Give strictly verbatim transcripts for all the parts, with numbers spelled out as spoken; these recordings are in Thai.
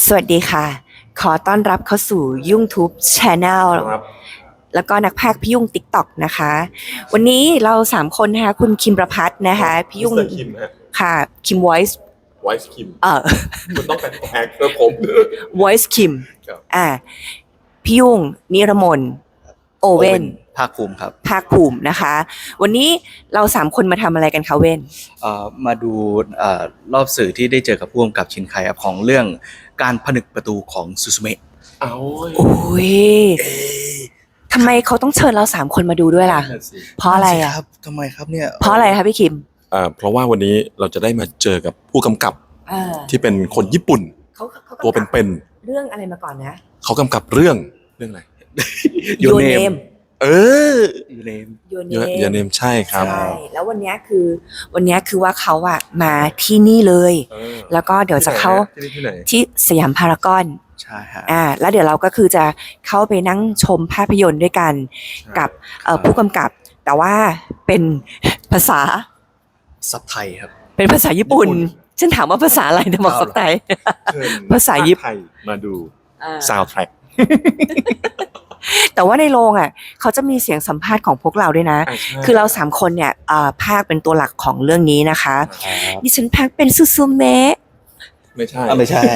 สวัสดีค่ะ ขอต้อนรับเข้าสู่ยุ่งทูบ Channel ครับแล้วก็นักพากย์พี่ยุ่ง TikTok นะคะ วันนี้เราสามคนนะคะคุณคิมประพัฒน์นะคะพี่ยุ่งมิสเตอร์คิมฮะค่ะคิม Voice ไวส์คิมเอ่อคุณต้องแปลงเพื่อผม Voice คิมครับอ่าพี่ยุ่งนิรมนโอเว่นภาคภูมิครับภาคภูมินะคะ วันนี้เราสามคนมาทำอะไรกันคะเว่นเอ่อมาดูเอ่อรอบสื่อที่ได้เจอกับผู้กำกับชินไคครับของเรื่องการผนึกประตูของซูซูเมะเอาโอ้ยทำไมเขาต้องเชิญเราสามคนมาดูด้วยล่ะ เพราะอะไรอ่ะครับทำไมครับเนี่ยเพราะอะไรคะพี่คิมอ่าเพราะว่าวันนี้เราจะได้มาเจอกับผู้กำกับเออที่เป็นคนญี่ปุ่นเขาเขาตัวเป็นเรื่องอะไรมาก่อนนะๆเขากำกับเรื่องเรื่องอะไร Your Name เออยูเนม Your เยอะ Name เยอะเนมใช่ครับใช่ แล้ววันเนี้ยคือวันเนี้ยคือว่าเขาอะมาที่นี่เลยเออแล้วก็เดี๋ยวจะเข้าที่ไหนที่ไหนที่สยามพารากอนใช่ฮะอ่า แล้วเดี๋ยวเราก็คือจะเข้าไปนั่งชมภาพยนตร์ด้วยกันกับเอ่อผู้กำกับ แต่ว่าเป็นภาษาซับไทยครับเป็นภาษาญี่ปุ่น ฉันถามว่าภาษาอะไรนะบอกสักไทยเชิญภาษาญี่ปุ่นไทยมาดูซาวด์แทร็กแต่ว่าในโรงอ่ะเขาจะมีเสียงสัมภาษณ์ของพวกเราด้วยนะ คือเราสามคนเนี่ยเอ่อภาคเป็นตัวหลักของเรื่องนี้นะคะ ดิฉันภาคเป็นซูซูเมะไม่ใช่อ่ะไม่ใช่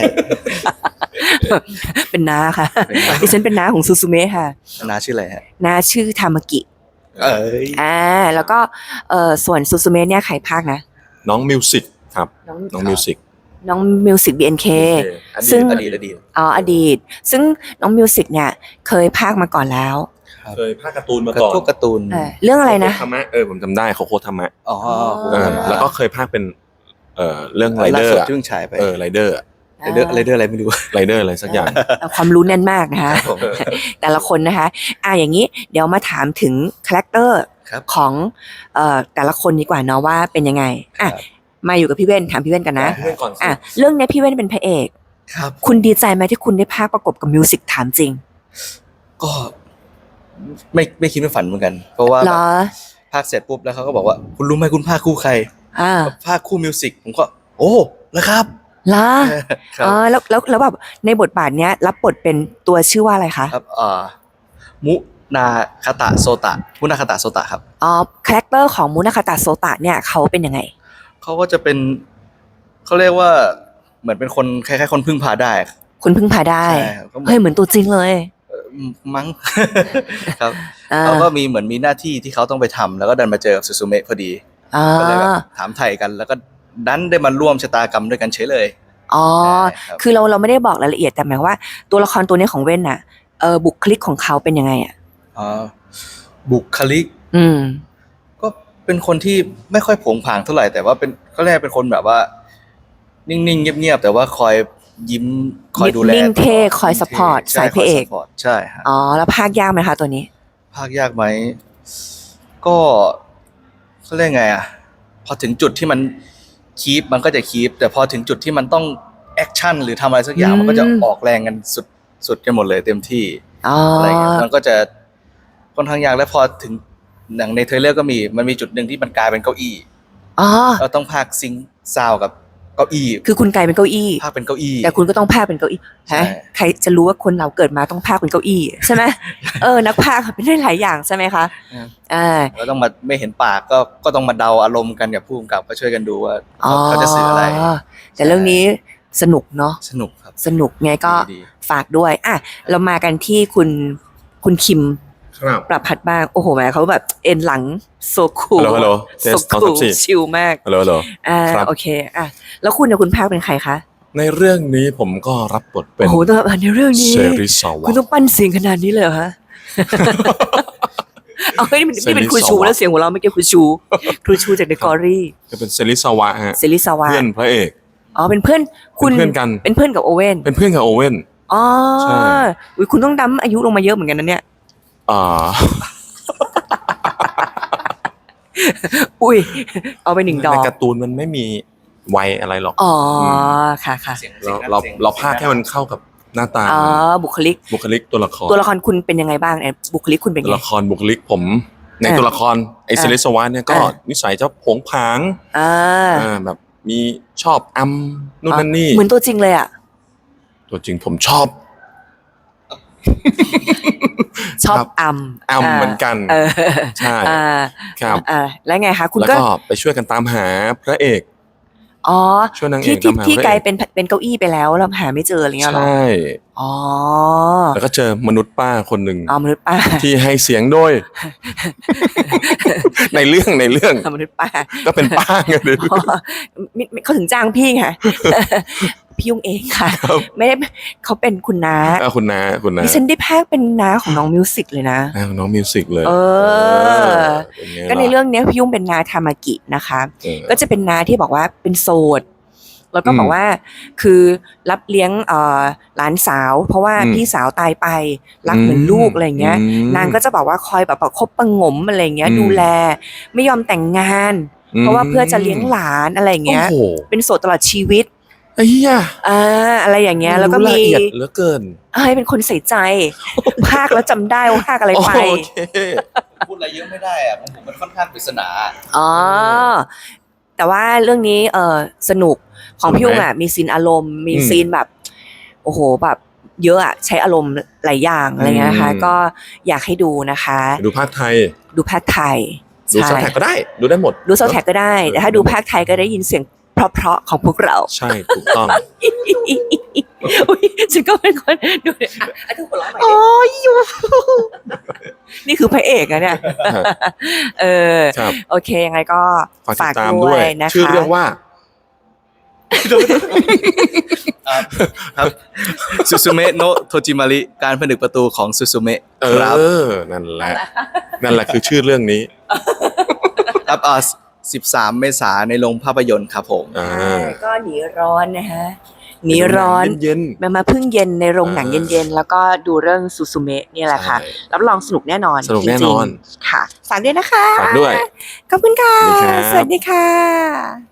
เป็นน้าค่ะเป็นน้าดิฉันเป็นน้าของซูซูเมะค่ะนาชื่ออะไรฮะน้าชื่อทามากิเอ้ยอ่าแล้วก็เอ่อส่วนซูซูเมะเนี่ยใครภาคนะน้องมิวสิกครับน้องน้องมิวสิกน้องมิวสิก บี เอ็น เค ซึ่งอดีตอดีตอ๋ออดีต ซึ่งน้องมิวสิกเนี่ยเคยภาคมาก่อนแล้วครับเคยภาคการ์ตูนมาก็ก่อนพวกการ์ตูนเออเรื่องอะไรนะโคโคธรรมะเออผมจำได้โคโคธรรมะอ๋อเออแล้วก็เคยภาคเป็นเอ่อเรื่องไรเดอล่าร์สุดอะที่เพิ่งฉายไปเออไรเดอร์ไรเดอร์ไรเดอร์อะไรไม่รู้ไรเดอร์อะไรสักอย่างเอ่อความรู้แน่นมากนะคะผมแต่ละคนนะคะ อ่าอย่างนี้เดี๋ยวมาถามถึงคาแรคเตอร์ครับของเอ่อแต่ละคนดีกว่าเนาะว่าเป็นยังไง อ่ะครับมาอยู่กับพี่เว้นถามพี่เว้นกันนะพี่เว้นก่อนสิอ่ะเรื่องเนี้ยพี่เว้นเป็นพระเอกครับคุณดีใจไหมที่คุณได้ภาคประกบกับมิวสิกถามจริงก็ไม่ไม่คิดไม่ฝันเหมือนกัน เพราะว่าเหรอภาคเสร็จปุ๊บแล้วเขาก็บอกว่าคุณรู้ไหมคุณภาคคู่ใครอ่าภาคคู่มิวสิกผมก็ โอ้แล้วครับเหรอครับอ๋อแล้วแล้วแล้วแบบในบทบาทเนี้ยรับบทเป็นตัวชื่อว่าอะไรคะครับอ่ามุนาคาตะโซตะมุนาคาตะโซตะครับอ๋อคาแรคเตอร์ของมุนาคาตะโซตะเนี่ยเขาเป็นยังไงเขาก็จะเป็นเขาเรียกว่าเหมือนเป็นคนคล้ายๆคนพึ่งพาได้คุณพึ่งพาได้ใช่ครับก็เหมือนเฮ้ยเหมือนตัวจริงเลยเอ่อมั้ง ครับอ่าเขาก็มีเหมือนมีหน้าที่ที่เขาต้องไปทำแล้วก็ดันมาเจอกับซูซูเมะพอดีอ่าก็เลยแบบถามไถ่กัน แล้วก็ดันได้มาร่วมชะตากรรมด้วยกันเฉยเลยอ๋อใช่ครับคือเราเราไม่ได้บอกรายละเอียดแต่หมายว่าตัวละครตัวนี้ของเว่นน่ะเออบุคลิกของเขาเป็นยังไงอ่ะอ๋อบุคลิกอืมก็เป็นคนที่ไม่ค่อยโผงผางเท่าไหร่แต่ว่าเป็นเขาเรียกเป็นคนแบบว่า นิ่งๆเงียบๆแต่ว่าคอยยิ้มคอยดูแลนิ่งเท่คอยนิ่ง support ใช่สายพระเอกคย support ใช่ฮะอ๋อแล้วภาคยากไหมคะตัวนี้ภาคยากไหมก็เขาเรียกไงอ่ะพอถึงจุดที่มันคีปมันก็จะคีปแต่พอถึงจุดที่มันต้องแอคชั่นหรือทำอะไรสักอย่างอืมมันก็จะออกแรงกันสุดสุดกันหมดเลยเต็มที่อ๋ออะไรเงี้ยมันก็จะค่อนข้างยากแล้วพอถึงหนังในเทรลเลอร์ก็มีมันมีจุดหนึ่งที่มันกลายเป็นเก้าอี้อ๋อเราต้องพากย์ซิงค์ซาวด์กับเก้าอี้คือคุณกลายเป็นเก้าอี้พากย์เป็นเก้าอี้แต่คุณก็ต้องพากเป็นเก้าอี้ใช่ฮะใครจะรู้ว่าคนเราเกิดมาต้องพากเป็นเก้าอี้ใช่ไหม เออนักพากเป็นได้หลายอย่างใช่ไหมคะอ่าเราต้องมาไม่เห็นปากก็ก็ต้องมาเดาอารมณ์กันกับผู้กำกับก็ช่วยกันดูว่าอ๋อเขาจะสื่ออะไรแต่เรื่องนี้สนุกเนาะสนุกครับสนุกไงก็ดีฝากด้วยอ่ะเรามากันที่คุณคุณคิมครับปรับพัดบ้างโอ้โหแม่เขาแบบเอ็นหลังโซคูลฮัลโหลฮัลโหลเทโซสสองคูสามสี่ชิลมากฮัลโหลฮัลโหลอ่าครับโอเคอ่ะแล้วคุณเนี่ยคุณภาคเป็นใครคะในเรื่องนี้ผมก็รับบทเป็นโอ้โหแต่ในเรื่องนี้เซริซาวะคุณต้องปั้นเสียงขนาดนี้เลยเหรอฮะ เอาเฮ้ยนี่มันนี่เป็นครูชูแล้วเสียงของเราไม่เกี่ยวครูชูครูชูจากเดอะกอรี่จะเป็นเซริซาวะฮะเซริสาวะเพื่อนพระเอกอ๋อเป็นเพื่อนคุณเป็นเพื่อนกันเป็นเพื่อนกับโอเว่นเป็นเพื่อนกับโอเว่นอ๋อใช่อุ๊ยคุณต้องดั้มอายุลงมาเยอะเหมือนกันนะเนี่ยอ่าอุ้ย เอาไปหนึ่งดอในกการ์ตูนมันไม่มีวัยอะไรหรอกอ๋อค่ะค่ะเสียงเราสียงเราสียงเราพากแค่มันเข้ากับหน้าตาอ๋อบุคลิกบุคลิกตัวละครตัวละครคุณเป็นยังไงบ้างเนี่ยบุคลิกคุณเป็นตัวไงละครบุคลิกผม ในอ่าตัวละครไออ่าเซเลสวานเนี่ยก็อ่านิสัยจะผงผางอ่าอ่าแบบมีชอบอัมนู่นนั่นนี่เหมือนตัวจริงเลยอ่ะตัวจริงผมชอบชอบครับอัมอัมเหมือนกันเออใช่อ่าครับอ่าแล้วไงคะคุณแล้วก็ก็ไปช่วยกันตามหาพระเอกอ๋อช่วยนางเอที่กที่ตามหาที่พระกลายเอกเป็นเป็นเก้าอี้ไปแล้วเราหาไม่เจออะไรเงี้ยเหรอใช่อ๋อแล้วก็เจอมนุษย์ป้าคนหนึ่งอ๋อมนุษย์ป้าที่ให้เสียงโดย ในเรื่องในเรื่องมนุษย์ป้าก็เป็นป้าไงเลยอ๋อมิมิเขาถึงจ้างพี่ไง พี่ยุงเองค่ะครับไม่ได้เขาเป็นคุณน้าอ่ะคุณน้าคุณน้าดิฉันได้พากย์เป็นน้าของน้องมิวสิกเลยนะอ่ะน้องมิวสิกเลยเออเป็นไงก็ในล่ะเรื่องเนี้ยพี่ยุ่งเป็นนาทามากินะคะเออก็จะเป็นนาที่บอกว่าเป็นโสด แล้วก็อืมบอกว่าคือรับเลี้ยงเอ่อหลานสาว เพราะว่าอืมพี่สาวตายไปรักเหมือนลูกอะไรเงี้ยอืมนางก็จะบอกว่าคอยแบบประคบประหงมอะไรเงี้ยอืมดูแลไม่ยอมแต่งงาน เพราะว่าเพื่อจะเลี้ยงหลานอะไรเงี้ยโอ้โหเป็นโสดตลอดชีวิตไอ้เหี้ยอ่าอะไรอย่างเงี้ยแล้วก็รู้มีละเอียดเหลือเกินเอ้ยเป็นคนใส่ใจ ภาคแล้วจำได้ว่าภาคอะไรไปโอเคพูดอะไรเยอะไม่ได้อะของผมมันค่อนข้างปริศนาอ๋อ แต่ว่าเรื่องนี้เออสนุกของพี่ยุ่งอ่ะมีซีนอารมณ์มีอืมซีนแบบ โอ้โหแบบเยอะอ่ะใช้อารมณ์หลายอย่างอะไรเงี้ยนะคะอืมก็อยากให้ดูนะคะดูภาคไทยดูภาคไทยดูซับแท็กก็ได้ ดูได้หมดดูซาวด์แท็กก็ได้ แต่ถ้าดูภาคไทยก็ได้ยินเสียงเพราะๆของพวกเราใช่ถูกต้องอุ๊ยฉันก็เป็นคนดูเนี่ยอ่ะอ่ะทุกคนร้องใหม่ดินี่คือพระเอกอะเนี่ย เออครับโอเคยังไงก็ฝากติฝากดตามด้ด้ววย ยนะคะชื่อเรื่องว่าครับซูซูเมะโนะโทจิมาริการผนึกประตูของซูซูเมะเอครับอ นั่นแหละ นั่นแหละคือชื่อเรื่องนี้ครับอ่าสิบสามเมษายนในโรงภาพยนตร์ครับผมอ่าใช่ก็หนีร้อนนะฮะหนีร้อนเย็นมามาพึ่งเย็นในโรงหนังอ่าเย็นๆ แล้วก็ดูเรื่องซูซูเมะนี่ๆแหละค่ะใช่รับรองสนุกแน่นอนสนุกแน่นอนจริงๆค่ะฝากด้วยนะคะฝากด้วยขอบคุณค่ะสวัสดีครับสวัสดีค่ะ